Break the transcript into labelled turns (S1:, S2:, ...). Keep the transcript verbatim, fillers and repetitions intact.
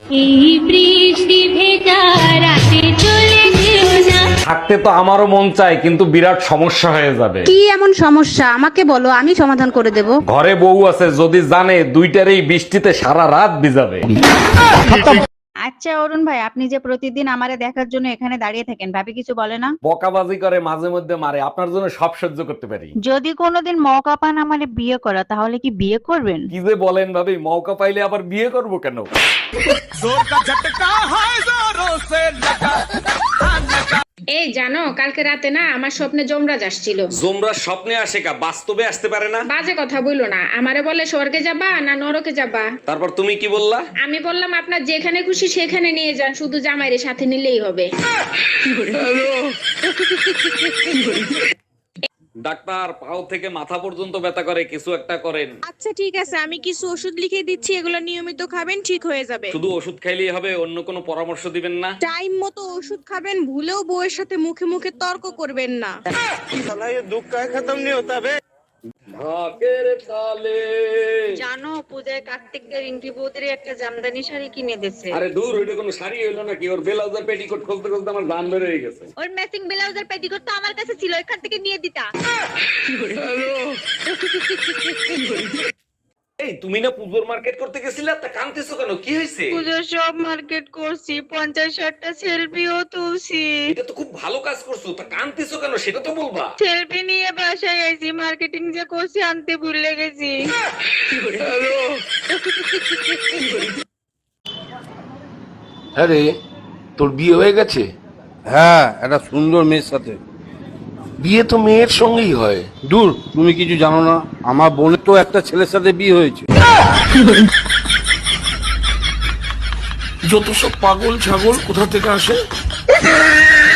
S1: এই বৃষ্টি ভেজা রাতে চলে যেও না।
S2: থাকতে তো আমারও মন চায়, কিন্তু বিরাট সমস্যা হয়ে যাবে।
S3: কি এমন সমস্যা আমাকে বলো, আমি সমাধান করে দেব।
S2: ঘরে বউ আছে, যদি জানে দুইটার এই বৃষ্টিতে সারা রাত ভিজাবে।
S4: আচ্ছা অরুণ ভাই, আপনি যে প্রতিদিন আমারে দেখার জন্য এখানে দাঁড়িয়ে থাকেন, ভাবি কিছু বলে না?
S2: বকাবাজি করে, মাঝে মধ্যে মারে, আপনার জন্য সব সহ্য করতে পারি।
S4: যদি কোনোদিন মৌকা পান আমারে বিয়ে করা, তাহলে কি বিয়ে করবেন?
S2: কি যে বলেন ভাবি, মৌকা পাইলে আবার বিয়ে করব কেন?
S5: এই জানো, কালকে রাতে না আমার স্বপ্নে যমরাজ আসছিল।
S2: জোমরা স্বপ্নে আসে কা, বাস্তবে আসতে পারে না?
S5: বাজে কথা বইলো না, আমারে বলে স্বর্গে যাবা না নরকে যাবা।
S2: তারপর তুমি কি বললা?
S5: আমি বললাম আপনার যেখানে খুশি সেখানে নিয়ে যান, শুধু জামাইরে সাথে নিলেই হবে।
S2: ডাক্তার, পাও থেকে মাথা পর্যন্ত ব্যথা করে, কিছু একটা করেন।
S6: আচ্ছা ঠিক আছে, আমি কিছু ওষুধ লিখে দিচ্ছি, এগুলো নিয়মিত খাবেন, ঠিক হয়ে যাবে।
S2: শুধু ওষুধ খাইলেই হবে? অন্য কোনো পরামর্শ দিবেন না?
S6: টাইম মতো ওষুধ খাবেন, ভুলেও বউয়ের সাথে মুখে মুখে তর্ক করবেন না।
S2: ঢাকের তালে।
S4: জানো, পূজায় কার্তিকদের রিঙ্কি বৌদির একটা জামদানি শাড়ি কিনে দিয়েছে।
S2: আরে দূর, ওইটা কোনো শাড়ি হইলো নাকি? ওর ব্লাউজের পেটিকোট খুলতে খুলতে আমার দান বের হয়ে গেছে।
S4: ওর ম্যাচিং ব্লাউজের পেটিকোট তো আমার কাছে ছিল, এখান থেকে নিয়ে দিতা।
S2: এই তুমি না পুজোর মার্কেট করতে গেছিলে, তা কাঁদতেছো কেন? কি হয়েছে?
S4: পুজোর সব মার্কেট করছি, পঞ্চাশ ষাটটা সেলফিও তুলছি।
S2: এটা তো খুব ভালো কাজ করছো, তা কাঁদতেছো কেন সেটা তো বলবা।
S4: সেলফি নিয়ে বাসায় আইছি, মার্কেটিং যে করছি আনতে ভুলে গেছি।
S7: আরে তোর বিয়ে হয়ে গেছে?
S8: হ্যাঁ, একটা সুন্দর মেয়ের সাথে।
S7: বিয়ে তো মেয়ের সঙ্গেই হয়।
S8: দূর, তুমি কিছু জানো না, আমার বোনের তো একটা ছেলের সাথে বিয়ে হয়েছে।
S7: যত সব পাগল ছাগল কোথা থেকে আসে।